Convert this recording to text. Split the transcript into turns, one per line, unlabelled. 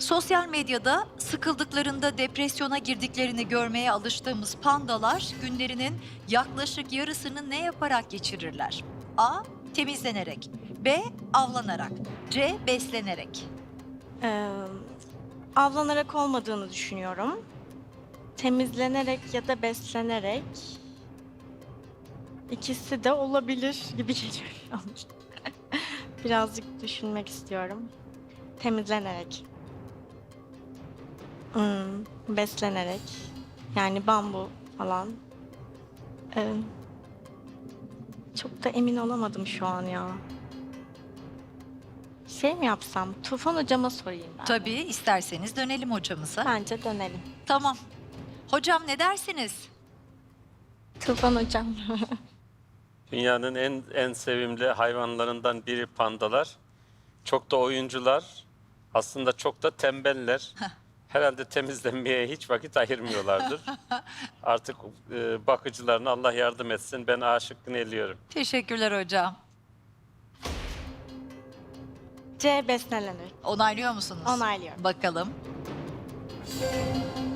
Sosyal medyada sıkıldıklarında depresyona girdiklerini görmeye alıştığımız pandalar günlerinin yaklaşık yarısını ne yaparak geçirirler? A. Temizlenerek. B. Avlanarak. C. Beslenerek.
Ee, Avlanarak olmadığını düşünüyorum. Temizlenerek ya da beslenerek ikisi de olabilir gibi geliyor şu an. Birazcık düşünmek istiyorum. Temizlenerek. Beslenerek. Yani bambu falan. Ee, Çok da emin olamadım şu an ya. Şey mi yapsam? Tufan hocama sorayım ben.
Tabii, isterseniz dönelim hocamıza.
Bence dönelim.
Tamam. Hocam ne dersiniz?
Tufan hocam.
Dünyanın en sevimli hayvanlarından biri pandalar. Çok da oyuncular. Aslında çok da tembeller. Herhalde temizlenmeye hiç vakit ayırmıyorlardır. Artık bakıcılarına Allah yardım etsin. Ben A şıkkını eliyorum.
Teşekkürler hocam.
C beslenerek.
Onaylıyor musunuz?
Onaylıyorum.
Bakalım.